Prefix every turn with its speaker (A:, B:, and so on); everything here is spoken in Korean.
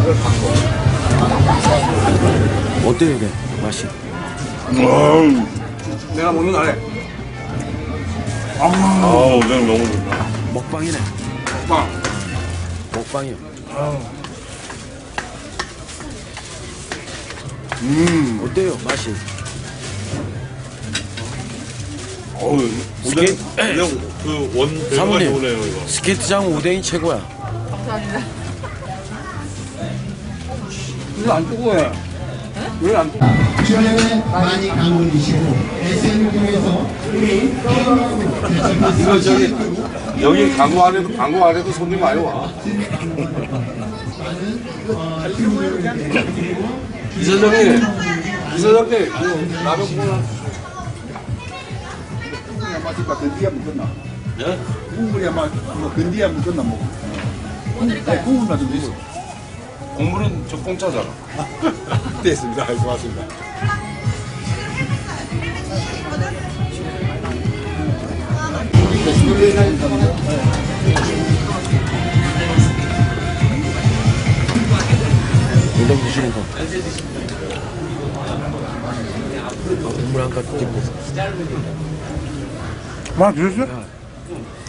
A: 어때요, 이게 맛이?
B: 내가 먹는 거 안 해.
C: 오뎅 너무 좋다.
A: 먹방이네.
B: 빵.
A: 먹방이요. 어때요, 맛이?
C: 오뎅 그원 배가
A: 사모님.
C: 좋네요 이거.
A: 스케이트장 오뎅이 최고야.
D: 감사합니다.
B: 이거 안 뜨거워요. 왜 안 뜨거워?
E: 주변에 많이 강원이시고 SN을 통해서 우리
B: 이거 저기 여기 광고 안에도 손님 많이 와. 이사장님, 라면 먹나?
F: 아마 건디야 먹었나?
B: 예?
F: 국물이 아마 건디야 먹었나 뭐. 네, 국물만 좀 주세요.
B: 국물은 저 공짜잖아.
F: 됐습니다. 고맙습니다.
A: 오뎅 드시는 거. 국물 한 컵 찍고.
B: 맛 드셨어요?